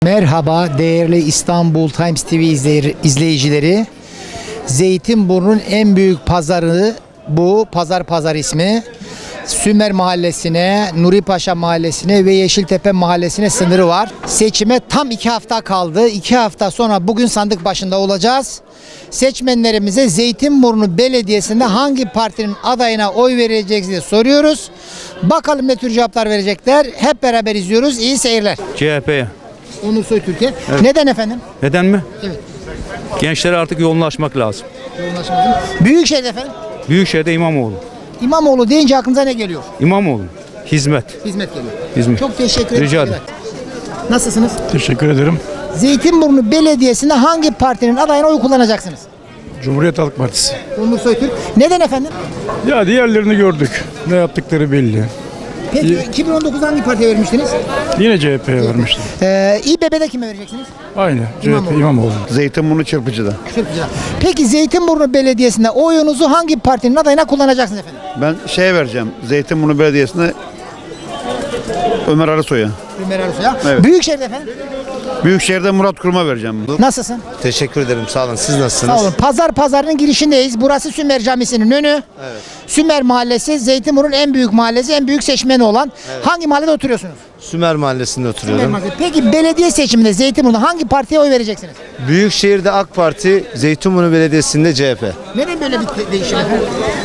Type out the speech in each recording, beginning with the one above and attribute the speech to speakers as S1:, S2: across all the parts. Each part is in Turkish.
S1: Merhaba değerli İstanbul Times TV izleyicileri. Zeytinburnu'nun en büyük pazarı bu. Pazar ismi. Sümer Mahallesi'ne, Nuri Paşa Mahallesi'ne ve Yeşiltepe Mahallesi'ne sınırı var. Seçime tam 2 hafta kaldı. 2 hafta sonra bugün sandık başında olacağız. Seçmenlerimize Zeytinburnu Belediyesi'nde hangi partinin adayına oy vereceksiniz diye soruyoruz. Bakalım ne tür cevaplar verecekler. Hep beraber izliyoruz. İyi seyirler.
S2: CHP'ye.
S1: Onur Soytürk'e.
S2: Evet.
S1: Neden efendim?
S2: Neden mi?
S1: Evet.
S2: Gençlere artık yoğunlaşmak lazım.
S1: Büyükşehir'de efendim?
S2: Büyükşehir'de İmamoğlu.
S1: İmamoğlu deyince aklınıza ne geliyor?
S2: İmamoğlu. Hizmet.
S1: Hizmet geliyor.
S2: Hizmet.
S1: Çok teşekkür ederim.
S2: Rica ederim.
S1: Nasılsınız?
S3: Teşekkür ederim.
S1: Zeytinburnu Belediyesi'nde hangi partinin adayına oy kullanacaksınız?
S3: Cumhuriyet Halk Partisi.
S1: Onur Soytürk. Neden efendim?
S3: Ya diğerlerini gördük. Ne yaptıkları belli.
S1: Peki 2019'da hangi partiye vermiştiniz?
S3: Yine CHP'ye vermiştim.
S1: İBB'de kime vereceksiniz?
S3: Aynı.
S1: İmamoğlu.
S3: CHP İmamoğlu.
S4: Zeytinburnu Çırpıcı'da.
S1: Çok güzel. Peki Zeytinburnu Belediyesi'nde oyunuzu hangi partinin adayına kullanacaksınız efendim?
S4: Ben şeye vereceğim. Zeytinburnu Belediyesi'ne Ömer Arısoy'a.
S1: Ömer Arısoy'a.
S4: Evet.
S1: Büyükşehir'de efendim?
S4: Büyükşehir'de Murat Kurum'a vereceğim.
S1: Nasılsın?
S5: Teşekkür ederim. Sağ olun. Siz nasılsınız?
S1: Sağ olun. Pazarının girişindeyiz. Burası Sümer Camisi'nin önü.
S5: Evet.
S1: Sümer Mahallesi Zeytinburnu'nun en büyük mahallesi, en büyük seçmeni olan. Hangi mahallede oturuyorsunuz?
S5: Sümer Mahallesi'nde
S1: Sümer
S5: oturuyorum.
S1: Mahallesi. Peki belediye seçiminde Zeytinburnu'nda hangi partiye oy vereceksiniz?
S5: Büyükşehir'de AK Parti, Zeytinburnu Belediyesi'nde CHP.
S1: Neden böyle bir değişim efendim?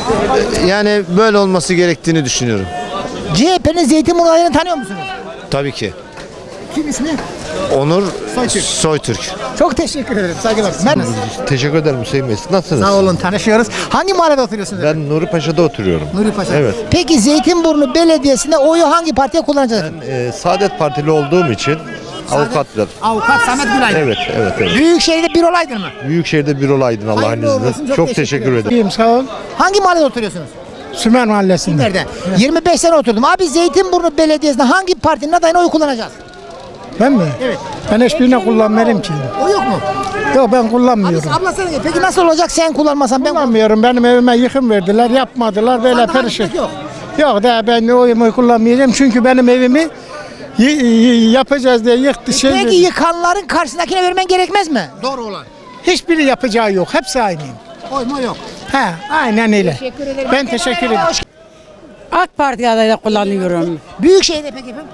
S5: Yani böyle olması gerektiğini düşünüyorum.
S1: CHP'nin Zeytinburnu adayını tanıyor musunuz?
S5: Tabii ki.
S1: Kim ismi?
S5: Onur
S1: Soytürk.
S5: Soytürk.
S1: Çok teşekkür ederim. Saygılar. Ben
S6: Teşekkür ederim Hüseyin Bey. Siz nasılsınız?
S1: Sağ olun, tanışıyoruz. Hangi mahallede oturuyorsunuz?
S6: Ben Nuri Paşa'da oturuyorum.
S1: Nuri Paşa.
S6: Evet.
S1: Peki Zeytinburnu Belediyesi'nde oyu hangi partiye kullanacağız?
S6: Saadet Partili olduğum için avukatlar.
S1: Avukat Samet Gülaydın.
S6: Evet.
S1: Büyükşehir'de bir olaydın mı?
S6: Büyükşehir'de bir olaydın Allah'ın
S1: Hayırlı olsun,
S6: izniyle.
S1: çok
S6: Çok
S1: teşekkür
S6: teşekkür ederim.
S3: İyiyim sağ ol.
S1: Hangi mahallede oturuyorsunuz?
S3: Sümer Mahallesi'nde.
S1: Nerede? 25 sene oturdum. Abi Zeytinburnu Belediyesi'nde hangi partinin adayına oy kullanacağız?
S3: Ben mi?
S1: Evet.
S3: Ben hiçbirine kullanmıyorum ki.
S1: O yok mu?
S3: Yok ben
S1: Abi
S3: kullanmıyorum.
S1: abla sen de. Peki nasıl olacak sen kullanmasan ben
S3: Kullanmıyorum. Benim evime yıkım verdiler. Yapmadılar. Böyle
S1: Sandık
S3: perişan.
S1: hizmet yok.
S3: Yok da ben oyumu kullanmayacağım. Çünkü benim evimi yapacağız diye yıktı.
S1: Peki yıkanların karşısındakine vermen gerekmez mi? Doğru olan.
S3: Hiçbiri yapacağı yok. Hepsi aynıyım.
S1: Oy mu yok?
S3: He, aynen öyle.
S1: Teşekkür ederim.
S3: Ben teşekkür ederim.
S7: AK Parti adayı kullanıyorum.
S1: Büyükşehir'de peki efendim?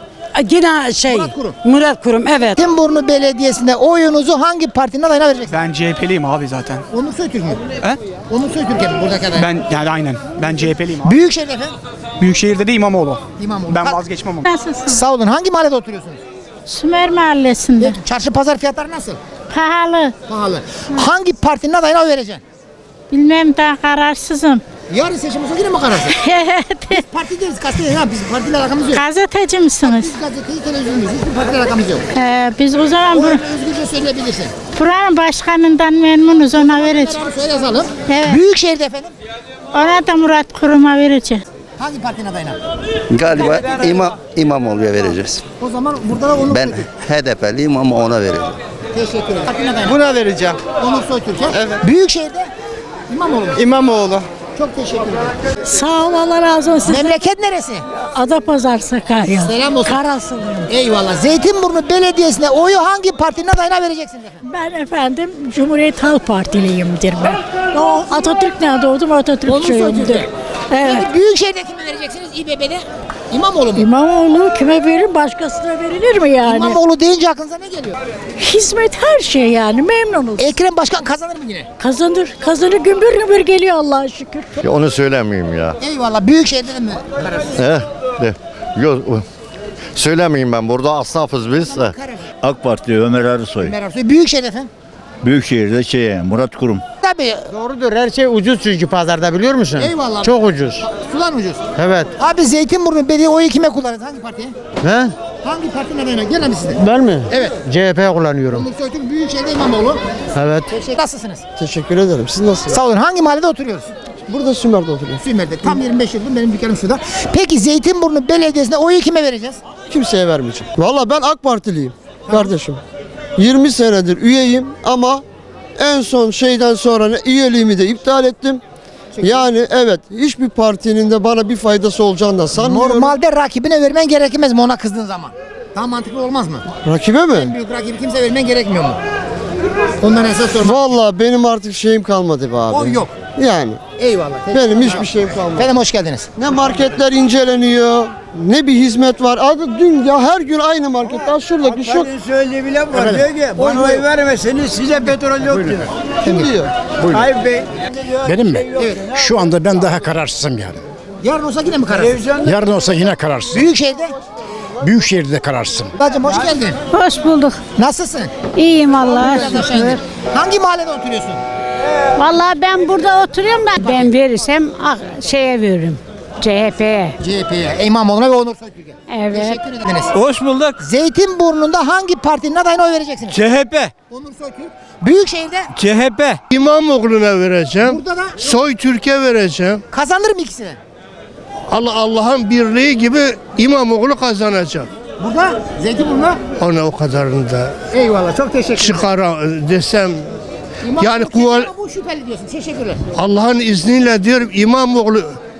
S7: Yine Murat Kurum evet.
S1: Zeytinburnu Belediyesi'nde oyunuzu hangi partinin adayına vereceksiniz?
S8: Ben CHP'liyim abi zaten.
S1: Onur Soytürk mü?
S8: He?
S1: Onur Soytürk mi buradaki aday?
S8: Ben yani aynen. Ben CHP'liyim abi.
S1: Büyükşehir'de efendim?
S8: Büyükşehir'de de İmamoğlu.
S1: İmamoğlu.
S8: Ben vazgeçmem ama.
S9: Nasılsın?
S1: Sağ olun. Hangi mahallede oturuyorsunuz?
S9: Sümer Mahallesi'nde.
S1: Çarşı pazar fiyatları nasıl?
S9: Pahalı.
S1: Pahalı. Hangi partinin adayına oy vereceksin?
S9: Bilmem daha kararsızım.
S1: Yarın seçim olsa yine mi kararsın?
S9: Evet.
S1: Parti değiliz, gazeteciyiz. Ha, bizim partiyle alakamız yok.
S9: Gazeteci misiniz?
S1: Biz gazeteyi, televizyonuyuz. Hiçbir partiyle alakamız yok.
S9: Biz o zaman
S1: Oyunu özgürce söyleyebilirsin.
S9: buranın başkanından memnunuz, ona vereceğiz.
S1: Kararı söyle yazalım.
S9: Evet.
S1: Büyükşehir'de efendim?
S9: Ona da Murat Kurum'a vereceğiz.
S1: Hangi partinin adayına?
S10: Galiba İmamoğlu'ya vereceğiz.
S1: O zaman burada da Onur
S10: Ben
S1: Soytürk.
S10: HDP'liyim ama ona vereceğim.
S1: Teşekkür ederim. Partinin adayına.
S8: Buna vereceğim.
S1: Onur Soytürk'e. Evet. Büyükşehir'de? İmamoğlu.
S8: İmamoğlu.
S1: Çok teşekkür ederim.
S9: Sağ ol, Allah razı olsun.
S1: Memleket neresi?
S9: Adapazarı Sakarya.
S1: Selam olsun.
S9: Karasılıyım.
S1: Eyvallah. Zeytinburnu Belediyesi'ne oyu hangi partinin adayına vereceksiniz efendim?
S9: Ben efendim Cumhuriyet Halk Partiliyimdir ben. O Atatürk'le doğdum, Atatürkçüyümdür. Evet.
S1: Peki Büyükşehir'de kime vereceksiniz? İBB'de? İmamoğlu mu?
S9: İmamoğlu kime verir, başkasına verilir mi yani?
S1: İmamoğlu deyince aklınıza ne geliyor?
S9: Hizmet her şey yani, memnunuz.
S1: Ekrem Başkan kazanır mı yine?
S9: Kazanır gümbür gümbür geliyor Allah'a şükür.
S6: Onu söylemeyeyim ya.
S1: Eyvallah. Büyükşehir'de de mi kararsız?
S6: Yok. Söylemeyeyim ben. Burada asnafız biz.
S4: AK Parti Ömer Arısoy.
S1: Ömer Arsoy. Büyükşehir'de efendim?
S4: Büyükşehir'de Murat Kurum.
S1: Tabii.
S3: Doğrudur. Her şey ucuz çünkü pazarda biliyor musun?
S1: Eyvallah.
S3: Çok ucuz.
S1: Sular ucuz.
S3: Evet.
S1: Abi Zeytinburnu Belediye oyu kime kullanır? Hangi partiye?
S3: He?
S1: Hangi partinin adayına? Gel abi size.
S3: Ben mi?
S1: Evet.
S3: CHP kullanıyorum.
S1: Onur Soytürk Büyükşehir'de İmamoğlu.
S3: Evet.
S1: Nasılsınız?
S3: Teşekkür ederim. Siz nasılsınız?
S1: Sağ olun. Hangi mahallede oturuyoruz?
S3: Burada Sümer'de oturuyorum.
S1: Sümer'de. Tam 25 yıldır benim dükkanım şurada. Peki Zeytinburnu Belediyesi'nde oyu kime vereceğiz?
S3: Kimseye vermeyeceğim. Valla ben AK Partiliyim kardeşim. 20 senedir üyeyim ama en son şeyden sonra üyeliğimi de iptal ettim. Yani evet, hiçbir partinin de bana bir faydası olacağını da sanmıyorum.
S1: Normalde rakibine vermen gerekmez mi ona kızdığın zaman? Daha mantıklı olmaz mı?
S3: Rakibe
S1: En
S3: mi?
S1: büyük rakibi kimse vermen gerekmiyor mu? Ondan esas sorma.
S3: Vallahi benim artık şeyim kalmadı be abi.
S1: O yok.
S3: Yani
S1: Eyvallah.
S3: benim hiçbir şeyim kalmadı.
S1: Efendim hoş geldiniz.
S3: Ne marketler inceleniyor, ne bir hizmet var. Adı dün ya her gün aynı markette. Şuradaki şu.
S11: Söylediği bile var. Diyor ki bana oy vermeseniz size petrol yok diyor.
S3: Kim diyor?
S11: Tayyip Bey.
S12: Benim mi? Şu anda ben daha kararsızım yani.
S1: Yarın olsa yine mi kararsız?
S12: Yarın olsa yine kararsızım.
S1: Büyükşehir'de.
S12: Büyükşehir'de kararsızım.
S1: Bacım hoş geldin.
S9: Hoş bulduk.
S1: Nasılsın?
S9: İyiyim Allah'a
S1: Biraz aşağı indir. Hangi mahallede oturuyorsun?
S9: Vallahi ben burada oturuyorum da ben verirsem şeye veririm. CHP'ye.
S1: CHP'ye, İmamoğlu'na ve Onur Soytürk'e.
S9: Evet.
S1: Teşekkür ederiz.
S8: Hoş bulduk.
S1: Zeytinburnu'nda hangi partinin adayına oy vereceksiniz?
S8: CHP.
S1: Onur Soytürk. Büyükşehir'de
S8: CHP.
S3: İmamoğlu'na vereceğim.
S1: burada da
S3: Soytürk'e vereceğim.
S1: kazanır mı ikisini?
S3: Allah'ın birliği gibi İmamoğlu kazanacak.
S1: Burada Zeytinburnu'na.
S3: Ona o kadarını da
S1: Eyvallah çok teşekkür ederim.
S3: çıkara desem
S1: İmamoğlu
S3: yani
S1: kesin
S3: kuval-
S1: ama bu şüpheli diyorsun. Teşekkürler.
S3: Allah'ın izniyle diyorum İmamoğlu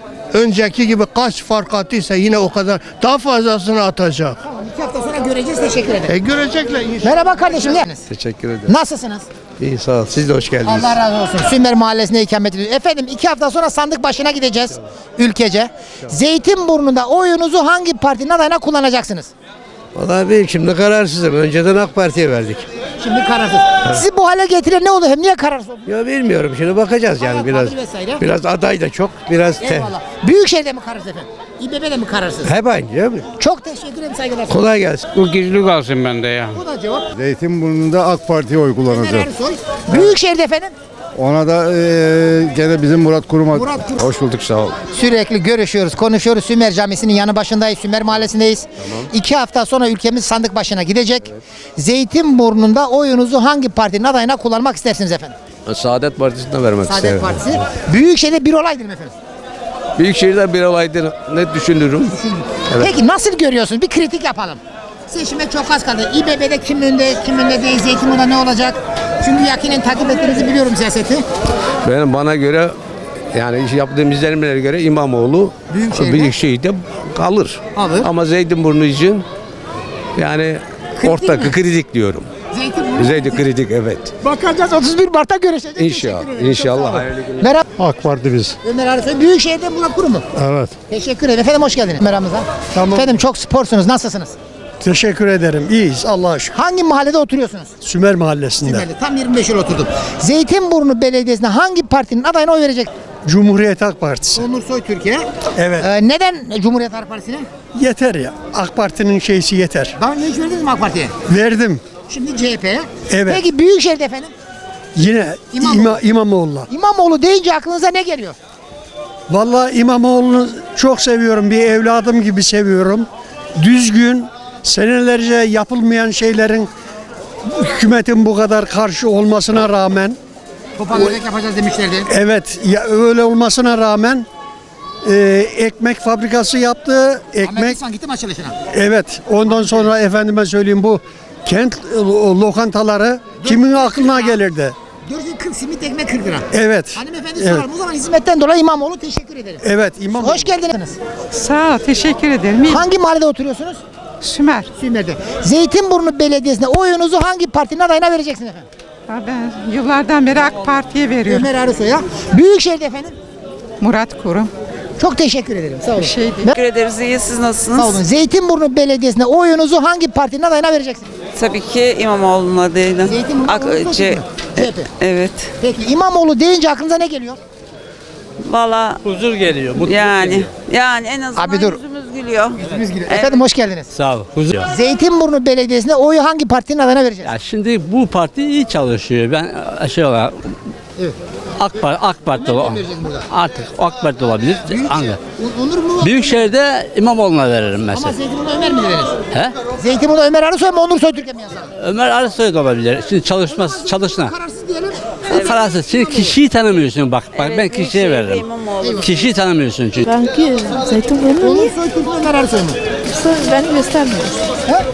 S3: önceki gibi kaç fark attıysa yine o kadar daha fazlasını atacak.
S1: Tamam 2 hafta sonra göreceğiz. Teşekkür ederim.
S3: Görecekler inşallah.
S1: Merhaba kardeşim.
S5: Teşekkür ederim.
S1: Nasılsınız?
S5: İyi sağ ol. Siz de hoş geldiniz.
S1: Allah razı olsun. Sümer Mahallesi'nde ikamet ediyoruz. Efendim 2 hafta sonra sandık başına gideceğiz ülkece. Zeytinburnu'nda oyunuzu hangi partinin adayına kullanacaksınız?
S11: Vallahi ben şimdi kararsızım. Önceden AK Parti'ye verdik.
S1: Şimdi kararsız. Sizi bu hale getiren ne oldu? Hem niye kararsız oldunuz?
S11: Ya bilmiyorum şimdi bakacağız yani
S1: Hayat
S11: biraz.
S1: tabii vesaire.
S11: Biraz aday da çok, biraz
S1: Eyvallah. Büyükşehir'de mi kararsız efendim? İBB'de mi kararsız?
S11: hep aynı değil mi?
S1: Çok teşekkür ederim saygılar.
S11: Kolay gelsin.
S8: Bu gizli kalsın bende ya.
S1: Bu da cevap.
S6: Zeytinburnu'nda AK Parti'ye oy
S1: Ömer Ersoy. Büyükşehir'de efendim.
S6: Ona da gene bizim Murat Kurum'a.
S1: Murat Kurum.
S6: Hoş bulduk sağ ol.
S1: Sürekli görüşüyoruz, konuşuyoruz. Sümer Camisi'nin yanı başındayız. Sümer Mahallesi'ndeyiz. 2 hafta sonra ülkemiz sandık başına gidecek. Zeytinburnu'nda oyunuzu hangi partinin adayına kullanmak istersiniz efendim?
S5: Saadet Partisi'ne vermek
S1: Saadet Partisi. Büyükşehir'de bir olaydır mı efendim?
S5: Büyükşehir'de bir olaydır. Ne düşünürüm?
S1: Peki nasıl görüyorsunuz? Bir kritik yapalım. Seçime çok az kaldı. İBB'de kim önde değil, Zeytinburnu'da ne olacak? Çünkü yakinen takip ettiğinizi biliyorum siyaseti.
S5: Bana göre yani yaptığım izlenimlere göre İmamoğlu Büyükşehir'de kalır.
S1: Alır.
S5: Ama Zeytinburnu için yani orta kritik diyorum.
S1: Zeytinburnu.
S5: Zeytin kritik evet.
S1: Bakacağız 31 Mart'ta görüşeceğiz.
S5: İnşallah.
S1: Teşekkür ederim.
S5: İnşallah.
S1: Çok sağ olun.
S5: Hayırlı günler.
S1: Merhaba.
S6: AK Parti biz.
S1: Ömer Arsoy. Büyükşehir'de Murat Kurum mu?
S6: Evet.
S1: Teşekkür ederim. Efendim hoş geldiniz meramıza.
S12: Tamam.
S1: Efendim çok sporsunuz. Nasılsınız?
S12: Teşekkür ederim. İyiyiz Allah'a şükür.
S1: Hangi mahallede oturuyorsunuz?
S12: Sümer Mahallesi'nde.
S1: Sümerli. Tam 25 yıl oturdum. Zeytinburnu Belediyesi'ne hangi partinin adayına oy verecek?
S12: Cumhuriyet Halk Partisi.
S1: Onur Soytürk'e.
S12: Evet.
S1: Neden Cumhuriyet Halk Partisi'ne?
S12: Yeter ya. AK Parti'nin şeysi yeter.
S1: Daha önce hiç verdiniz mi AK Parti'ye?
S12: Verdim.
S1: Şimdi CHP'ye.
S12: Evet.
S1: Peki Büyükşehir'de efendim?
S12: Yine
S1: İmamoğlu.
S12: İmamoğlu'na.
S1: İmamoğlu deyince aklınıza ne geliyor?
S12: Vallahi İmamoğlu'nu çok seviyorum. Bir evladım gibi seviyorum. Düzgün, senelerce yapılmayan şeylerin hükümetin bu kadar karşı olmasına rağmen,
S1: Toparlayacak yapacağız demişlerdi.
S12: evet ya öyle olmasına rağmen ekmek fabrikası yaptı.
S1: Ahmet
S12: Ekmek,
S1: İhsan gitti mi açılışına?
S12: evet. Ondan sonra efendime söyleyeyim bu kent lokantaları kimin aklına gelirdi?
S1: Gördüğün 40 simit ekmek 40 lira.
S12: Evet.
S1: Hanımefendi
S12: Evet.
S1: soralım. O zaman hizmetten dolayı İmamoğlu teşekkür ederim.
S12: Evet, İmamoğlu.
S1: Hoş geldiniz.
S7: Sağ ol, teşekkür ederim.
S1: Hangi mahallede oturuyorsunuz?
S7: Sümer.
S1: Sümer'de. Zeytinburnu Belediyesi'ne oyunuzu hangi partinin adayına vereceksiniz efendim?
S7: Ben yıllardan beri AK Parti'ye veriyorum.
S1: Ömer Arısoy'a. Büyükşehir'de efendim.
S7: Murat Kurum.
S1: Çok teşekkür ederim. Sağ olun.
S7: Teşekkür ederiz. İyi, siz nasılsınız?
S1: Sağ olun. Zeytinburnu Belediyesi'ne oyunuzu hangi partinin adayına vereceksiniz?
S7: Tabii ki İmamoğlu'na değil.
S1: Zeytinburnu CHP.
S7: Evet.
S1: Peki İmamoğlu deyince aklınıza ne geliyor?
S7: Valla
S8: Huzur geliyor.
S7: yani en azından
S1: Abi dur.
S7: yüzümüz gülüyor.
S1: Efendim hoş geldiniz.
S8: Sağ ol. Huzur.
S1: Zeytinburnu Belediyesi'ne oyu hangi partinin adayına vereceğiz?
S8: Ya şimdi bu parti iyi çalışıyor. Ben şey olarak
S1: Evet.
S8: AK Parti
S1: vereceğiz burada?
S8: artık AK Parti olabilir. Hangi?
S1: Onur mu?
S8: Büyükşehir'de İmamoğlu'na veririm
S1: Ama
S8: mesela.
S1: Zeytinburnu Ömer mi dediniz?
S8: He?
S1: Zeytinburnu Ömer Arısoy mu Onur Soytürk'e mi yazalım?
S8: Ömer Arısoy da olabilir. Şimdi çalışma.
S1: Kararsız diyelim.
S8: Kararsız. Şimdi kişiyi tanımıyorsun bak. Ben kişiye veririm. Kişiyi tanımıyorsun çünkü.
S9: Belki Zeytinburnu
S1: Onur Soytürk mü Ömer Arısoy mu?
S9: beni göstermiyorsun.
S1: He?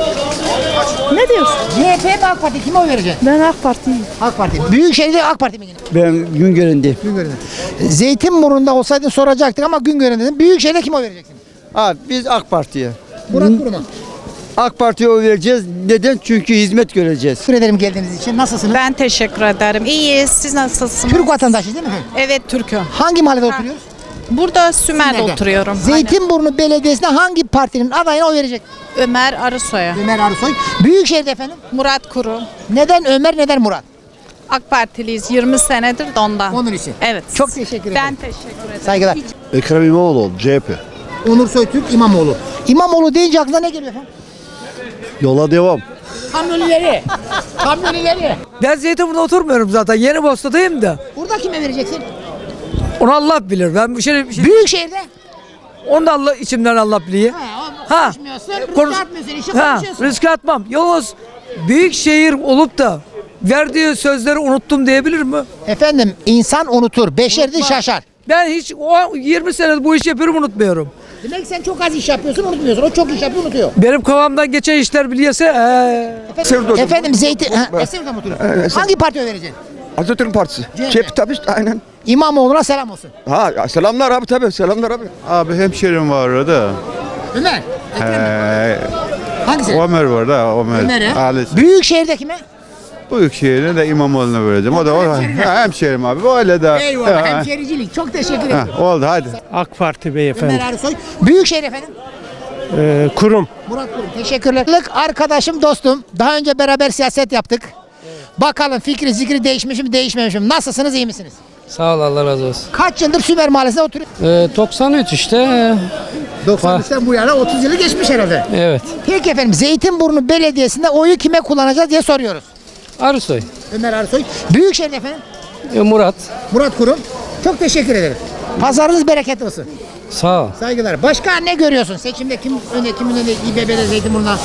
S9: Ne diyorsun?
S1: CHP mi AK Parti? Kime oy vereceksin?
S9: Ben AK Parti'yim.
S1: AK Parti. Büyükşehir'de AK Parti mi yine?
S11: Ben Güngören'deyim.
S1: Güngören'de. Zeytinburnu'nda olsaydın soracaktık ama Güngören'de dedim. Büyükşehir'de kime oy vereceksin?
S11: Abi biz AK Parti'ye.
S1: Murat Kurum'a.
S11: AK Parti'ye oy vereceğiz. Neden? Çünkü hizmet göreceğiz.
S1: Teşekkür ederim geldiğiniz için. Nasılsınız?
S13: Ben teşekkür ederim. İyiyiz. Siz nasılsınız?
S1: Türk vatandaşı değil mi efendim?
S13: Evet, Türk'üm.
S1: Hangi mahallede oturuyoruz?
S13: Burada Sümer'de
S1: Nerede?
S13: oturuyorum.
S1: Zeytinburnu Belediyesi'ne hangi partinin adayına oy verecek?
S13: Aynen. Ömer Arısoy'a.
S1: Ömer Arısoy. Büyükşehir'de efendim.
S13: Murat Kuru.
S1: Neden Ömer, neden Murat?
S13: AK Partiliyiz 20 senedir de ondan.
S1: Onun için.
S13: Evet.
S1: Çok teşekkür ederim.
S13: Ben teşekkür ederim.
S1: Saygılar.
S6: Ekrem İmamoğlu CHP.
S1: Onur Soytürk, İmamoğlu. İmamoğlu deyince aklına ne geliyor efendim?
S6: Yola devam.
S1: Kamyonileri. Kamyonileri.
S11: Ben Zeytinburnu'da oturmuyorum zaten. Yeni Bosna'dayım da.
S1: Burada kime vereceksin?
S11: Onu Allah bilir. Ben bir şey
S1: Büyükşehir'de.
S11: onu da Allah içimden Allah biliyor. Ha.
S1: Konuşmuyorsun,
S11: Konuş-
S1: riske atmıyorsun, işi
S11: Ha,
S1: konuşuyorsun.
S11: riske atmam. Yalnız büyük şehir olup da verdiği sözleri unuttum diyebilir mi?
S1: Efendim insan unutur, beşerdi şaşar.
S11: Ben hiç o 20 senedir bu işi yapıyorum unutmuyorum.
S1: Demek sen çok az iş yapıyorsun, unutmuyorsun. O çok iş yapıyor, unutuyor.
S11: Benim kafamdan geçen işler biliyorsa
S1: Efendim Zeytin... Eser'de mi oturuyorsun? Hangi partiye vereceksin?
S6: Atatürk Partisi.
S1: CHP
S6: tabii aynen.
S1: İmamoğlu'na selam olsun.
S6: Ha selamlar abi tabii selamlar abi.
S4: Abi hemşerim var orada.
S1: Ömer. Hangisi?
S4: Ömer var da
S1: Ömer'e.
S4: Ailesi.
S1: Büyükşehir'de kime?
S4: Büyükşehir'e de İmamoğlu'na vereceğim. O da hemşerim abi. Öyle de.
S1: Eyvallah, hemşericilik. Çok teşekkür ederim.
S4: Oldu hadi.
S12: AK Parti beyefendi.
S1: Ömer Arısoy. Büyükşehir efendim.
S12: Kurum.
S1: Murat Kurum. Teşekkürler. Arkadaşım, dostum. Daha önce beraber siyaset yaptık. Bakalım fikri zikri değişmiş mi değişmemiş mi? Nasılsınız, iyi misiniz?
S8: Sağ ol, Allah razı olsun.
S1: Kaç yıldır Sümer Mahallesi'nde oturuyorsunuz?
S8: 93 işte.
S1: 93'ten bu yana 30 yılı geçmiş herhalde.
S8: Evet.
S1: Peki efendim Zeytinburnu Belediyesi'nde oyu kime kullanacağız diye soruyoruz.
S8: Arısoy.
S1: Ömer Arısoy. Büyükşehir efendim.
S8: Murat.
S1: Murat Kurum. Çok teşekkür ederim. Pazarınız bereketli olsun.
S8: Sağ ol.
S1: Saygılar. Başka ne görüyorsun? Seçimde kimin önünde İBB'de Zeytinburnu'na?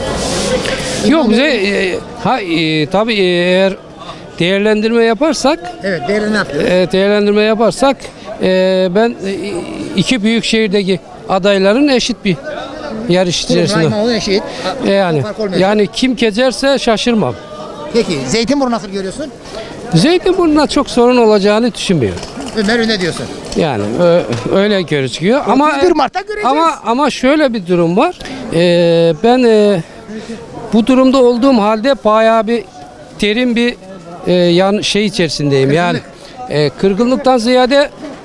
S8: Yok bize tabii eğer değerlendirme yaparsak
S1: Evet, değerli ne yapıyoruz?
S8: değerlendirme yaparsak ben iki büyük şehirdeki adayların eşit bir yarış içerisinde.
S1: İmamoğlu eşit.
S8: Yani
S1: Fark olmuyor.
S8: yani kim kezerse şaşırmam.
S1: Peki Zeytinburnu nasıl görüyorsun?
S8: Zeytinburnu'na çok sorun olacağını düşünmüyorum.
S1: Ömer önde diyorsun.
S8: Yani öyle gözüküyor ama
S1: 31 Mart'ta göreceğiz.
S8: ama şöyle bir durum var. Ben bu durumda olduğum halde bayağı bir derin bir şey içerisindeyim. Yani kırgınlıktan ziyade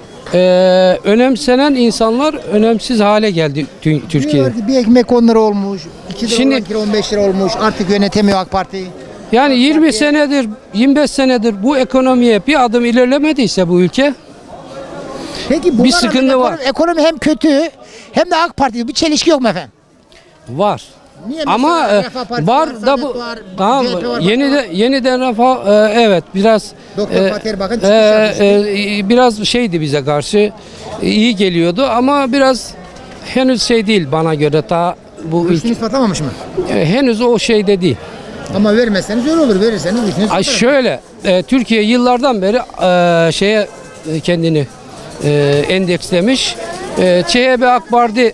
S8: önemsenen insanlar önemsiz hale geldi Türkiye'de.
S1: Diyorlar ki bir ekmek 10 lira olmuş. 2 lira
S8: Şimdi-
S1: olan kira 15 lira olmuş. Artık yönetemiyor AK Parti.
S8: Yani 20 senedir, 25 senedir bu ekonomiye bir adım ilerlemediyse bu ülke,
S1: Peki bu
S8: Bir
S1: arada
S8: sıkıntı var.
S1: Ekonomi hem kötü hem de AK Parti. Bir çelişki yok mu efendim?
S8: var.
S1: Niye
S8: Ama
S1: mesela Refah Partisi
S8: var
S1: var,
S8: da
S1: Saadet
S8: bu
S1: var,
S8: tamam
S1: CHP var,
S8: yeniden Refah evet biraz
S1: Doktor Fatih Erbakan çıkış yapmıştı.
S8: biraz şeydi bize karşı iyi geliyordu ama biraz henüz şey değil bana göre daha bu ülke
S1: Güçünü ispatamamış mı?
S8: henüz o şeyde değil.
S1: Ama vermezseniz öyle olur. Verirseniz güçünü
S8: Ay
S1: ispatlar.
S8: şöyle Türkiye yıllardan beri şeye kendini endekslemiş. CHP AK Parti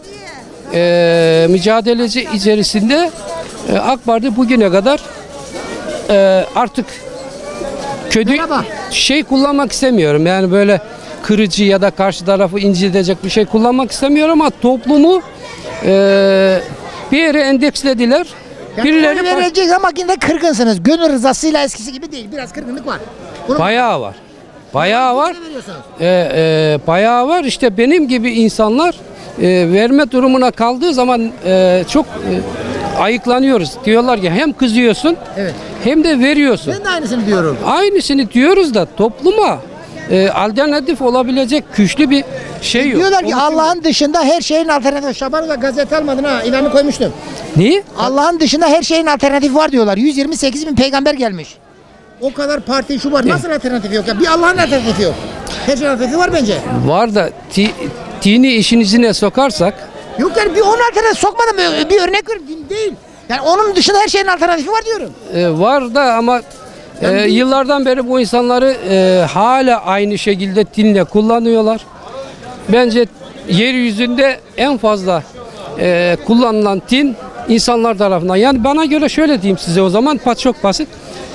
S8: mücadelesi içerisinde AK Parti bugüne kadar artık kötü
S1: Merhaba.
S8: şey kullanmak istemiyorum. Yani böyle kırıcı ya da karşı tarafı incitecek bir şey kullanmak istemiyorum ama toplumu bir yere endekslediler.
S1: Yani
S8: Birileri
S1: oy vereceğiz ama yine de kırgınsınız. Gönül rızasıyla eskisi gibi değil. Biraz kırgınlık var. Bunu
S8: bayağı var. Bayağı var.
S1: kime veriyorsunuz?
S8: Bayağı var. İşte benim gibi insanlar verme durumuna kaldığı zaman çok ayıklanıyoruz. Diyorlar ki hem kızıyorsun
S1: Evet.
S8: hem de veriyorsun.
S1: Ben de aynısını diyorum.
S8: Aynısını diyoruz da topluma alternatif olabilecek güçlü bir şey yok.
S1: Diyorlar ki
S8: Oluşum-
S1: Allah'ın dışında her şeyin alternatifi. Şaban da gazete almadın ha. İlanı koymuştum.
S8: Niye?
S1: Allah'ın dışında her şeyin alternatifi var diyorlar. 128 bin peygamber gelmiş. O kadar parti şu var. Nasıl alternatifi yok ya? Bir Allah'ın alternatifi yok. Her şeyin alternatifi var bence.
S8: Var da dini işin içine sokarsak
S1: Yok yani bir onun alternatifi sokmadım. Bir örnek ver. Değil. Yani onun dışında her şeyin alternatifi var diyorum.
S8: var da ama yıllardan beri bu insanları hala aynı şekilde dinle kullanıyorlar. Bence yeryüzünde en fazla kullanılan din insanlar tarafından. Yani bana göre şöyle diyeyim size o zaman çok basit.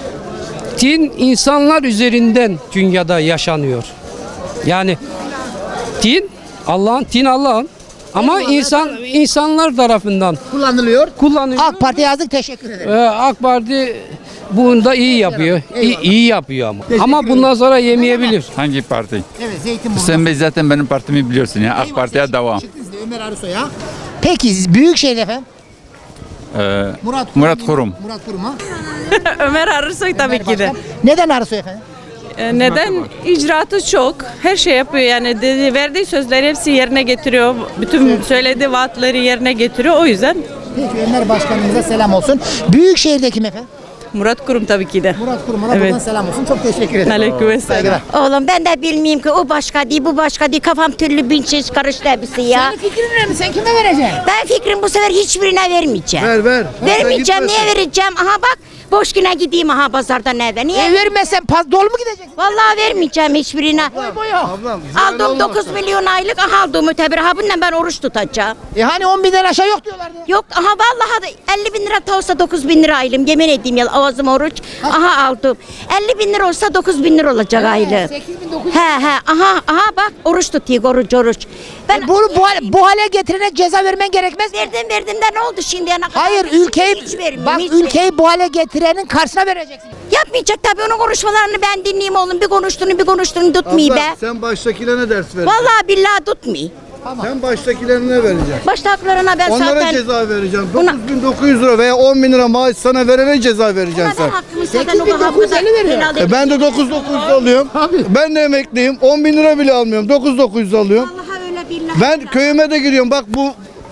S8: Din insanlar üzerinden dünyada yaşanıyor. Yani din Allah'ın Ama insanlar tarafından
S1: Kullanılıyor.
S8: kullanılıyor.
S1: AK Parti yazdık, teşekkür ederim.
S8: AK Parti bunda iyi yapıyor. İyi yapıyor ama. Ama bundan sonra yemeyebilir.
S2: Hangi parti?
S1: Evet, Zeytinburnu.
S2: Sen zaten benim partimi biliyorsun ya. AK Parti'ye devam.
S1: Çıktınız da Ömer Arısoy'a. Peki Büyükşehir efendim?
S2: Murat Kurum.
S1: Murat Kurum ha?
S7: Ömer Arısoy tabii ki de.
S1: Neden Arısoy efendim?
S7: Neden? İcraatı çok. Her şey yapıyor yani. Verdiği sözleri hepsi yerine getiriyor. Bütün söylediği vaatleri yerine getiriyor. O yüzden
S1: Peki Ömer Başkanımıza selam olsun. Büyükşehir'de kim efendim?
S7: Murat Kurum tabii ki de.
S1: Murat Kurum'a
S7: Evet.
S1: buradan selam olsun. Çok teşekkür ederim.
S7: Aleykümselam.
S9: Oğlum ben de bilmeyeyim ki o başka değil bu başka değil. Kafam türlü bin çeşit karıştı hepsi ya.
S1: Senin fikrin ne mi? Sen kime vereceksin?
S9: Ben fikrim bu sefer hiçbirine vermeyeceğim.
S3: Ver.
S9: Vermeyeceğim. Niye vereceğim? Aha bak boş güne gideyim aha pazardan eve. Niye?
S1: Vermezsen dolu mu gideceksin?
S9: Vallahi vermeyeceğim hiçbirine.
S3: Ablam,
S9: Aldım 9 milyon aylık aha aldım öteberi. Ha bununla ben oruç tutacağım.
S1: Hani 10 binden aşağı yok diyorlardı.
S9: Yok aha vallahi da 50 bin lira da olsa 9 bin lira aylım. Yemin edeyim ya ağzım oruç. Aha aldım. 50 bin lira olsa 9 bin lira olacak aylım.
S1: 8.900.
S9: He aha bak oruç tutuyor oruç. Ben
S1: Bunu bu hale getirene ceza vermen gerekmez mi?
S9: verdim de ne oldu şimdi yana kadar?
S1: Hayır, ülkeyi ülkeyi bu hale getirenin karşısına vereceksin.
S9: Yapmayacak tabii onun konuşmalarını ben dinleyeyim oğlum. Bir konuştuğunu tutmayı be.
S3: sen baştakilerine ders ver.
S9: Vallahi billahi tutmayı.
S3: Sen baştakilerine vereceksin.
S9: Baştaklarına ben
S3: Onlara
S9: zaten...
S3: ceza vereceksin.
S9: Buna-
S3: 9.900 lira veya 10 bin lira maaş sana verene ceza vereceksin sen.
S9: Ben hakkımı zaten o kadar helal
S3: Ben de 9.900 alıyorum. Ben de emekliyim. 10 bin lira bile almıyorum. 9.900 alıyorum.
S9: Vallahi öyle billahi.
S3: Ben köyüme de giriyorum. Bak bu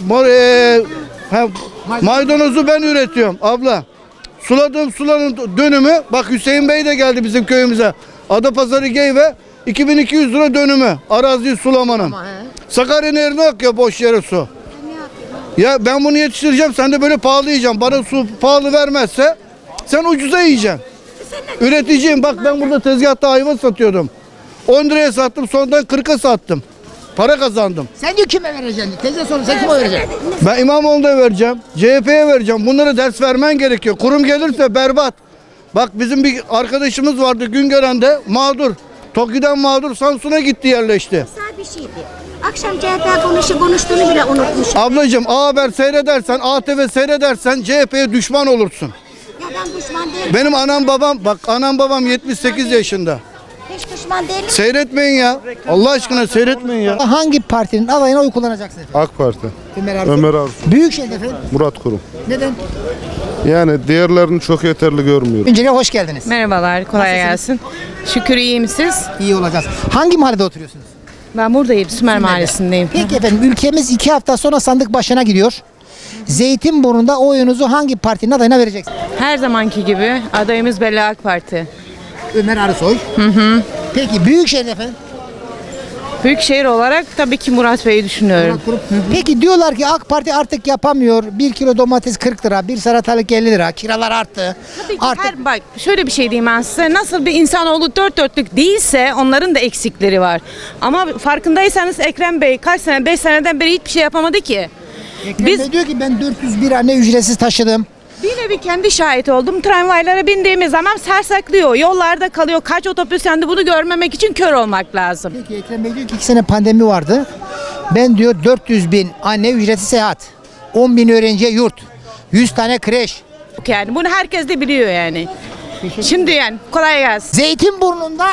S3: maydanozu ben üretiyorum abla. Suladığım suların dönümü. Bak Hüseyin Bey de geldi bizim köyümüze. Adapazarı Geyve 2200 lira dönümü. Araziyi sulamanın. Sakarya Nehri'ne akıyor boş yere su. Ya ben bunu yetiştireceğim. Sen de böyle pahalı yiyeceksin. Bana su pahalı vermezse sen ucuza yiyeceksin. Üreticiyim. Bak ben burada tezgahta ayva satıyordum. 10 liraya sattım. Sonradan 40'a sattım. Para kazandım.
S1: Sen diyor kime vereceksin? Teyze sorun sen kime vereceksin?
S3: Ben İmamoğlu'na vereceğim. CHP'ye vereceğim. Bunlara ders vermen gerekiyor. Kurum gelirse berbat. Bak bizim bir arkadaşımız vardı Güngören'de mağdur. TOKİ'den mağdur Samsun'a gitti yerleşti.
S9: Güzel bir şeydi. Akşam CHP konuştuğunu bile unutmuş.
S3: Ablacığım A Haber seyredersen, ATV seyredersen CHP'ye düşman olursun.
S9: Ya ben düşman değilim.
S3: Benim anam babam 78 yaşında.
S9: Hiç düşman değilim.
S3: Seyretmeyin ya. Allah aşkına seyretmeyin ya.
S1: Hangi partinin adayına oy kullanacaksın efendim?
S4: AK Parti.
S1: Ömer Arısoy.
S4: Ömer Arısoy.
S1: Büyükşehir'de efendim?
S4: Murat Kurum.
S1: Neden?
S4: Yani diğerlerini çok yeterli görmüyorum.
S1: Öncelikle hoş geldiniz.
S13: Merhabalar, kolay
S1: Nasılsınız?
S13: gelsin. Şükür iyiyim siz.
S1: İyi olacağız. Hangi mahallede oturuyorsunuz?
S13: Ben buradayım, Sümer Mahallesi'ndeyim.
S1: Peki efendim, ülkemiz 2 hafta sonra sandık başına gidiyor. Zeytinburnu'nda oyunuzu hangi partinin adayına vereceksiniz?
S13: Her zamanki gibi adayımız belli AK Parti.
S1: Ömer Arısoy. Peki Büyükşehir'de efendim?
S13: Büyükşehir olarak tabii ki Murat Bey'i düşünüyorum.
S1: Peki diyorlar ki AK Parti artık yapamıyor. 1 kilo domates 40 lira, bir salatalık 50 lira. Kiralar arttı.
S13: Tabii ki
S1: Artık
S13: bak şöyle bir şey diyeyim ben size. Nasıl bir insanoğlu dört dörtlük değilse onların da eksikleri var. Ama farkındaysanız Ekrem Bey kaç sene, 5 seneden beri hiçbir şey yapamadı ki.
S1: Ekrem Bey diyor ki ben 401 anne ücretsiz taşıdım.
S13: Bir nevi kendi şahit oldum. Tramvaylara bindiğimiz zaman sersaklıyor. Yollarda kalıyor. Kaç otobüs yandı bunu görmemek için kör olmak lazım.
S1: Peki Ekrem Bey diyor ki 2 sene pandemi vardı. Ben diyor 400 bin anne ücretsiz seyahat. 10 bin öğrenciye yurt. 100 tane kreş.
S13: Yani bunu herkes de biliyor yani. Şimdi yani kolay gelsin.
S1: Zeytinburnu'nda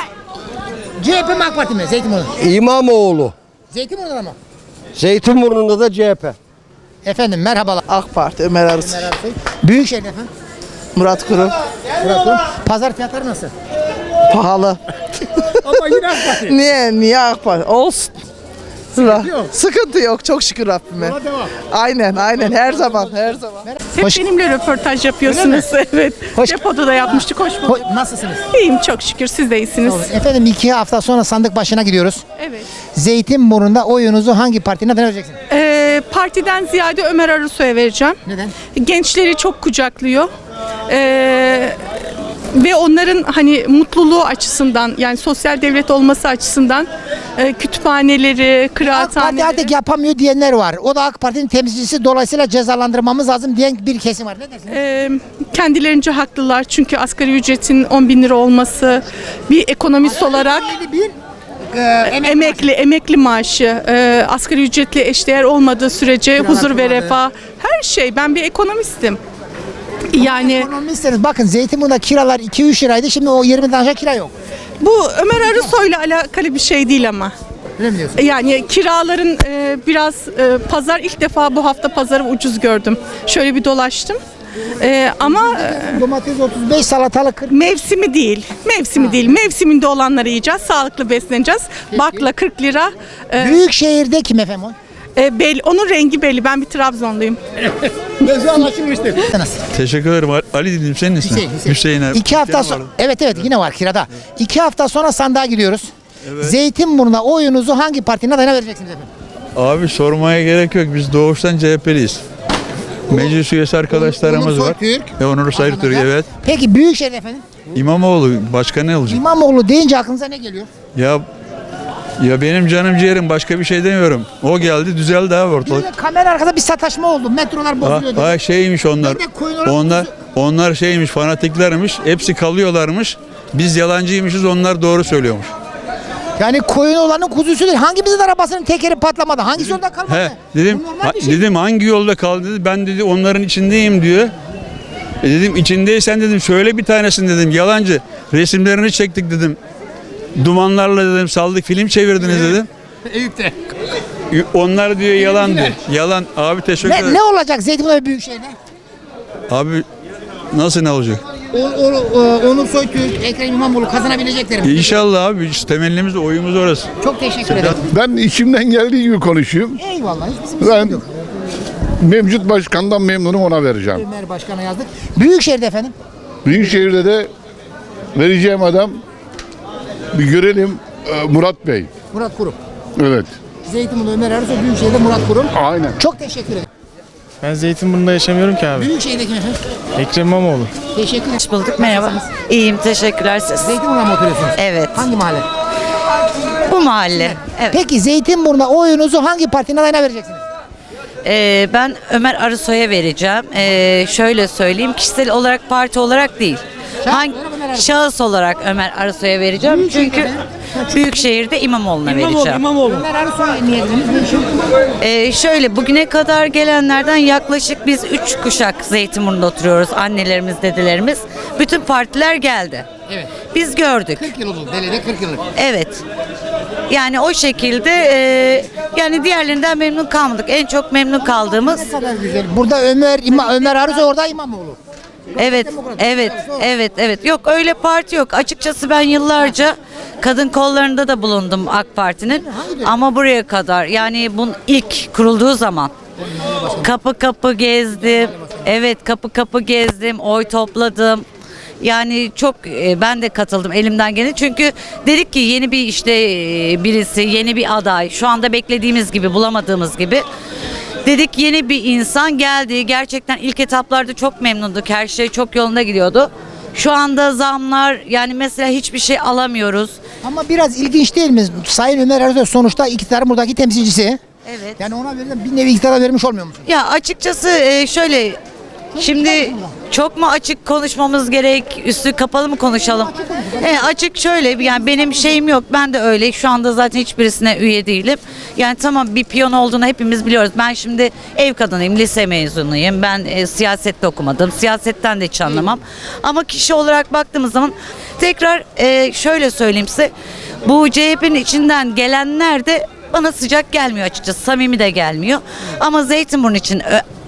S1: CHP mi AK Parti mi? Zeytinburnu.
S5: İmamoğlu.
S1: Zeytinburnu'da mı?
S5: Zeytinburnu'nda da CHP.
S1: Efendim merhabalar.
S11: AK Parti Ömer Arısoy.
S1: Ömer Arısoy. Büyükşehir'de efendim.
S11: Murat Kurum.
S1: Murat Kurum. Pazar fiyatları nasıl?
S11: Pahalı.
S1: Ama yine AK Parti.
S11: Niye AK Parti? Olsun. Sıkıntı yok. Çok şükür Rabbime.
S1: Devam.
S11: Aynen her zaman.
S13: Hep
S1: Hoş-
S13: benimle röportaj yapıyorsunuz. Evet.
S1: Hoş-
S13: Depoda da yapmıştık. Hoş bulduk.
S1: Nasılsınız?
S13: İyiyim çok şükür. Siz de iyisiniz.
S1: Efendim 2 hafta sonra sandık başına gidiyoruz.
S13: Evet.
S1: Zeytinburnu'nda oyunuzu hangi partinin adına vereceksiniz?
S13: Partiden ziyade Ömer Arısoy'a vereceğim.
S1: Neden?
S13: Gençleri çok kucaklıyor. Ve onların hani mutluluğu açısından yani sosyal devlet olması açısından kütüphaneleri,
S1: AK Parti
S13: kıraathaneleri.
S1: artık yapamıyor diyenler var. O da AK Parti'nin temsilcisi, dolayısıyla cezalandırmamız lazım diyen bir kesim var. Ne dersiniz?
S13: Kendilerince haklılar çünkü asgari ücretin 10 bin lira olması bir ekonomist olarak
S7: emekli maaşı, asgari ücretle eşdeğer olmadığı sürece huzur ve refah, her şey. Ben bir ekonomistim. Yani
S1: Ekonomistseniz bakın Zeytinburnu'nda kiralar 2-3 liraydı. Şimdi o 20'den aşağı kira yok.
S7: bu Ömer Arısoy'la alakalı bir şey değil ama.
S1: Öyle mi diyorsun?
S7: Yani kiraların biraz pazar ilk defa bu hafta pazarı ucuz gördüm. Şöyle bir dolaştım. Ama
S1: Domates 35, salatalık 40.
S7: mevsimi değil. Mevsimi değil. Mevsiminde olanları yiyeceğiz. Sağlıklı besleneceğiz. Bakla 40 lira.
S1: Büyük şehirde kim efendim o?
S7: Belli, onun rengi belli. Ben bir Trabzonluyum.
S2: Teşekkür ederim. Ali dedim, senin ismin? Hüseyin abi.
S1: 2 hafta sonra. Evet yine var kirada. 2 hafta sonra sandığa gidiyoruz. Zeytinburnu'na oyunuzu hangi partinin adayına vereceksiniz efendim?
S2: Abi sormaya gerek yok. Biz doğuştan CHP'liyiz. Meclis üyesi arkadaşlarımız
S1: Onur
S2: var.
S1: Soytürk.
S2: Onur Soytürk, evet.
S1: Peki Büyükşehir efendim?
S2: İmamoğlu başka ne olacak?
S1: İmamoğlu deyince aklınıza ne geliyor?
S2: Ya benim canım ciğerim, başka bir şey demiyorum. O geldi, düzeldi abi ortalık.
S1: Böyle kamera arkada bir sataşma oldu. Metrolar bozuluyor. dedi.
S2: Şeymiş onlar.
S1: Ben de koyun
S2: Onlar şeymiş, fanatiklermiş. Hepsi kalıyorlarmış. Biz yalancıymışız, onlar doğru söylüyormuş.
S1: Yani koyun olanın kuzusu değil. Hangimizin arabasının tekeri patlamadı? Hangisi yolda kalmadı?
S2: He, dedim,
S1: Bu normal bir şey.
S2: dedim hangi yolda kaldı dedi. Ben dedi onların içindeyim diyor. Dedim içindeysen dedim söyle bir tanesini dedim. Yalancı. Resimlerini çektik dedim. Dumanlarla dedim saldık, film çevirdiniz dedim.
S1: Eyüp'te.
S2: Onlar diyor yalan diyor. Yalan. Abi teşekkür ederim.
S1: Ne olacak Zeytinburnu ve Büyükşehir'de?
S2: Abi nasıl ne olacak?
S1: Onur Soytürk, Ekrem İmamoğlu kazanabilecekler mi?
S2: İnşallah abi. Biz temennimiz, oyumuz orası.
S1: Çok teşekkür ederim.
S14: Ben içimden geldiği gibi konuşuyorum.
S1: Eyvallah. Hiç bizim
S14: Ben mevcut başkandan memnunum, ona vereceğim.
S1: Ömer Başkan'a yazdık. Büyükşehir'de efendim?
S14: Büyükşehir'de de vereceğim adam bir görelim, Murat Bey.
S1: Murat Kurum.
S14: Evet.
S1: Zeytinburnu Ömer Arısoy, Büyükşehir'de Murat Kurum.
S14: Aynen.
S1: Çok teşekkür ederim.
S15: Ben Zeytinburnu'nda yaşamıyorum ki abi.
S1: Büyükşehir'de kim efendim?
S15: Ekrem İmamoğlu.
S1: Teşekkür ederim.
S16: Hoş bulduk, merhaba. İyiyim, teşekkürler siz.
S1: Zeytinburnu'na mı oturuyorsunuz?
S16: Evet.
S1: Hangi mahalle?
S16: Bu mahalle. Evet.
S1: Peki Zeytinburnu'na oyunuzu hangi partinin adayına vereceksiniz?
S16: Ben Ömer Arısoy'a vereceğim. Şöyle söyleyeyim, kişisel olarak, parti olarak değil. Şahıs olarak Ömer Arısoy'a vereceğim. Çünkü Büyükşehir'de İmamoğlu'na vereceğim.
S1: Ömer Arısoy niye verdiniz?
S16: Şöyle, bugüne kadar gelenlerden yaklaşık biz 3 kuşak Zeytinburnu'nda oturuyoruz. Annelerimiz, dedelerimiz. Bütün partiler geldi.
S1: Evet.
S16: Biz gördük.
S1: 40 yıl oldu. Belediye 40 yıllık.
S16: Evet. Yani o şekilde yani diğerlerinden memnun kalmadık. En çok memnun kaldığımız.
S1: Ne kadar güzel. Burada Ömer Arısoy, orada İmamoğlu.
S16: Evet. Yok öyle parti yok. Açıkçası ben yıllarca kadın kollarında da bulundum AK Parti'nin. Ama buraya kadar, yani bunun ilk kurulduğu zaman kapı kapı gezdim. Evet, kapı kapı gezdim, oy topladım. Yani çok ben de katıldım elimden geleni. Çünkü dedik ki yeni bir birisi, yeni bir aday. Şu anda beklediğimiz gibi, bulamadığımız gibi. Dedik yeni bir insan geldi. Gerçekten ilk etaplarda çok memnunduk. Her şey çok yolunda gidiyordu. Şu anda zamlar, yani mesela hiçbir şey alamıyoruz.
S1: Ama biraz ilginç değil mi? Sayın Ömer Arısoy sonuçta iktidarın buradaki temsilcisi.
S16: Evet.
S1: Yani ona verilen bir nevi iktidara vermiş olmuyor musun?
S16: Ya açıkçası şöyle, şimdi çok mu açık konuşmamız gerek, üstü kapalı mı konuşalım? Açık şöyle, yani benim şeyim yok, ben de öyle. Şu anda zaten hiçbirisine üye değilim. Yani tamam, bir piyon olduğunu hepimiz biliyoruz. Ben şimdi ev kadınıyım, lise mezunuyum. Ben siyasette okumadım, siyasetten de hiç anlamam. Ama kişi olarak baktığımız zaman tekrar şöyle söyleyeyim size. Bu CHP'nin içinden gelenler de bana sıcak gelmiyor açıkçası, samimi de gelmiyor. Ama Zeytinburnu için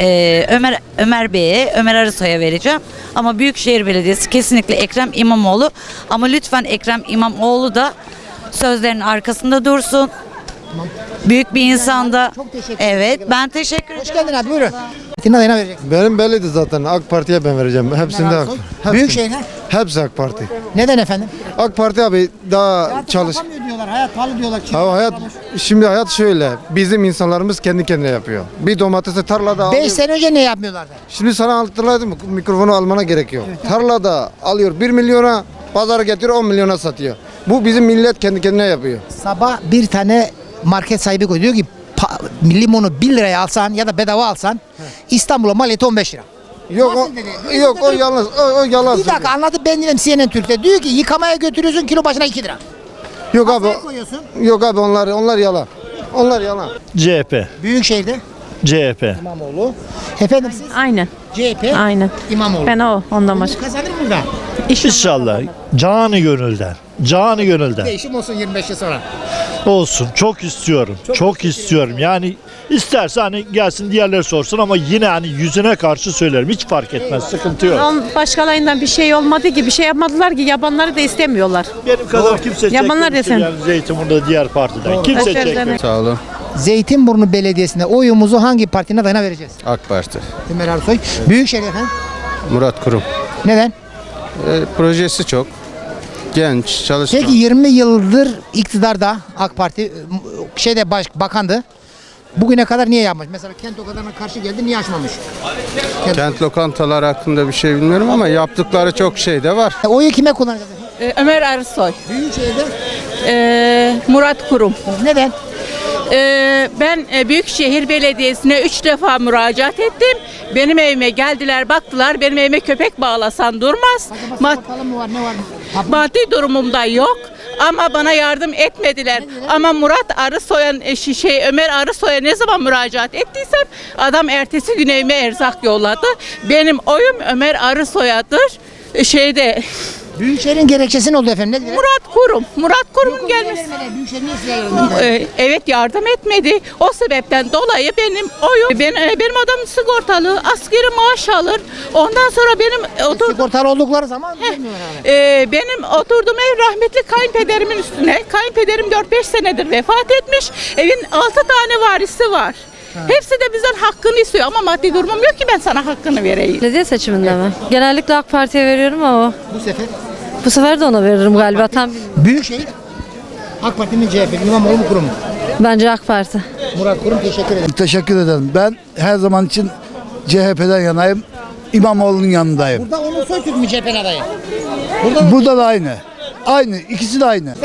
S16: Ömer Bey'e, Ömer Arısoy'a vereceğim. Ama Büyükşehir Belediyesi kesinlikle Ekrem İmamoğlu. Ama lütfen Ekrem İmamoğlu da sözlerinin arkasında dursun. Büyük bir insanda.
S1: Çok teşekkür
S16: Evet, ben teşekkür ederim.
S1: Hoş geldin abi, buyurun. Partinin adayına vereceksin.
S15: Benim belliydi zaten. AK Parti'ye ben vereceğim. Hepsinde AK.
S1: Büyükşehir'e.
S15: Hepsi AK Parti.
S1: Neden efendim?
S15: AK Parti abi daha çalış.
S1: Yapamıyor diyorlar, hayat pahalı diyorlar.
S15: Şimdi hayat şöyle. Bizim insanlarımız kendi kendine yapıyor. Bir domatesi tarlada
S1: 5
S15: alıyor.
S1: sene önce ne yapmıyorlardı?
S15: Şimdi sana hatırladım, mikrofonu almana gerek yok. Tarlada alıyor 1 milyona, pazara getiriyor 10 milyona satıyor. Bu bizim millet kendi kendine yapıyor.
S1: Sabah bir tane market sahibi koyuyor, diyor ki limonu 1 liraya alsan ya da bedava alsan İstanbul'a maliyeti 15 lira.
S15: Yok o yalnız o yalan.
S1: Bir dakika anlatıp ben dedim CNN Türk'te. Diyor ki yıkamaya götürüyorsun, kilo başına 2 lira.
S3: Yok abi.
S1: Kafaya koyuyorsun.
S3: Yok abi onlar yalan. Onlar yalan.
S17: CHP.
S1: Büyükşehir'de
S17: CHP.
S1: İmamoğlu. Efendim siz?
S7: Aynen.
S1: CHP.
S7: Aynen.
S1: İmamoğlu.
S7: Ben ondan başka.
S1: Kazanır mı burada?
S17: İnşallah. Canı gönülden. Canı gönülden.
S1: Değişim olsun 25 yıl sonra.
S17: Olsun. Çok istiyorum. Çok istiyorum. Yani isterse hani gelsin diğerleri sorsun ama yine hani yüzüne karşı söylerim. Hiç fark etmez. Sıkıntı yok.
S7: Başkalarından bir şey olmadı ki, bir şey yapmadılar ki, yabanları da istemiyorlar.
S17: Benim kadar kimse
S7: Yabanlar
S17: çekmemiştir
S7: desem.
S17: yani Zeytinburnu'da diğer partiden. Kimse çekmiyor.
S3: Sağ olun.
S1: Zeytinburnu Belediyesi'nde oyumuzu hangi partinin adayına vereceğiz?
S3: AK Parti.
S1: Ömer Arsoy. Büyükşehir efendim.
S3: Murat Kurum.
S1: Neden?
S3: Projesi çok. Genç, çalışkan.
S1: Peki 20 yıldır iktidarda AK Parti bakandı. Bugüne kadar niye yapmış? Mesela kent lokantalarına karşı geldi, niye açmamış?
S3: Kent lokantaları hakkında bir şey bilmiyorum ama yaptıkları çok şey de var.
S1: Oyu kime kullanacağız?
S7: Ömer Arsoy.
S1: Büyükşehir'de.
S7: Murat Kurum.
S1: Neden?
S7: Ben Büyükşehir Belediyesi'ne 3 defa müracaat ettim. Benim evime geldiler, baktılar. Benim evime köpek bağlasan durmaz.
S1: Bakalım mı var, ne var?
S7: Maddi durumumda yok. Ama bana yardım etmediler. Ama Murat Arısoy'a, Ömer Arısoy'a ne zaman müracaat ettiysem adam ertesi gün evime erzak yolladı. Benim oyum Ömer Arısoy'adır.
S1: Büyükşehir'in gerekçesi ne oldu efendim? Ne dediler?
S7: Murat Kurum'un gelmesi.
S1: Büyükşehir niye size yardım
S7: Evet, yardım etmedi. O sebepten dolayı benim oyum, benim adam sigortalı, askeri maaş alır. Ondan sonra
S1: sigortalı oldukları zaman
S7: benim oturduğum ev rahmetli kayınpederimin üstüne. Kayınpederim 4-5 senedir vefat etmiş. Evin 6 tane varisi var. Hepsi de bizden hakkını istiyor ama maddi durumum yok ki ben sana hakkını vereyim.
S18: Belediye seçiminde mi? Genellikle AK Parti'ye veriyorum ama
S1: bu sefer?
S18: Bu sefer de ona veririm galiba. Tam
S1: Büyükşehir AK Parti mi CHP mi? İmamoğlu mu Kurum mu?
S18: bence AK Parti.
S1: Murat Kurum, teşekkür ederim.
S3: Teşekkür ederim. Ben her zaman için CHP'den yanayım. İmamoğlu'nun yanındayım.
S1: Burada Onur Soytürk mü CHP'nin adayı?
S3: Burada da aynı. Aynı. İkisi de aynı.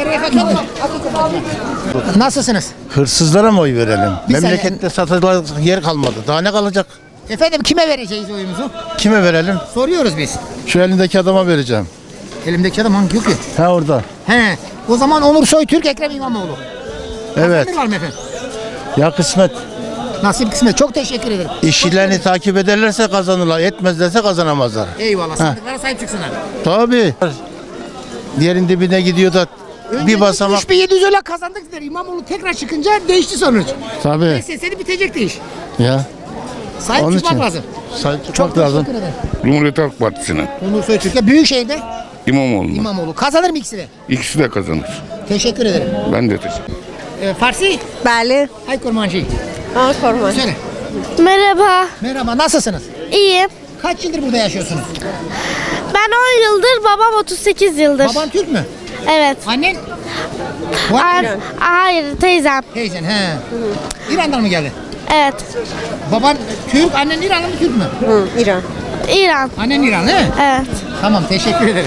S1: Nasılsınız?
S15: Hırsızlara mı oy verelim?
S1: Bir saniye.
S15: Memlekette satılacak yer kalmadı. Daha ne kalacak?
S1: Efendim kime vereceğiz oyumuzu?
S15: Kime verelim?
S1: Soruyoruz biz.
S15: Şu elindeki adama vereceğim.
S1: Elimdeki adam hangi yok ki?
S15: Ha orada.
S1: He. O zaman Onur Soytürk, Ekrem İmamoğlu.
S15: Evet.
S1: Kazanır var mı efendim?
S15: Ya kısmet.
S1: Nasip kısmet. Çok teşekkür ederim.
S15: İşçilerini takip ederlerse kazanırlar. Etmezlerse kazanamazlar.
S1: Eyvallah. Sandıklara sahip çıksınlar.
S15: Tabii. Diğerin dibine gidiyor da bir basamak.
S1: 3700 öyle kazandık der. İmamoğlu tekrar çıkınca değişti sonuç.
S15: Tabii.
S1: SS'de bitecekti iş.
S15: Ya.
S1: Sahip
S15: Onun
S1: çıkmak
S15: için.
S1: lazım.
S15: Sahip
S1: Çok
S15: çıkmak lazım.
S1: teşekkür ederim.
S14: Cumhuriyet Halk Partisi'ne.
S1: Onur Soytürk'e Büyükşehir'de
S14: İmamoğlu.
S1: İmamoğlu. Kazanır mı ikisi de?
S14: İkisi de kazanır.
S1: Teşekkür ederim.
S14: Ben de teşekkür
S1: Farsi?
S18: Bali.
S1: Hay kurmancı.
S18: Korman.
S1: Söyle.
S18: Merhaba.
S1: Merhaba, nasılsınız?
S18: İyiyim.
S1: Kaç yıldır burada yaşıyorsunuz?
S18: Ben 10 yıldır, babam 38 yıldır.
S1: Baban Türk mü?
S18: Evet.
S1: Annen?
S18: Hayır, teyzem.
S1: Teyzen, he. İran'dan mı geldi?
S18: Evet.
S1: Baban Türk, annen İranlı mı Türk mü?
S18: İran.
S1: Annen İran, he?
S18: Evet.
S1: Tamam, teşekkür ederim.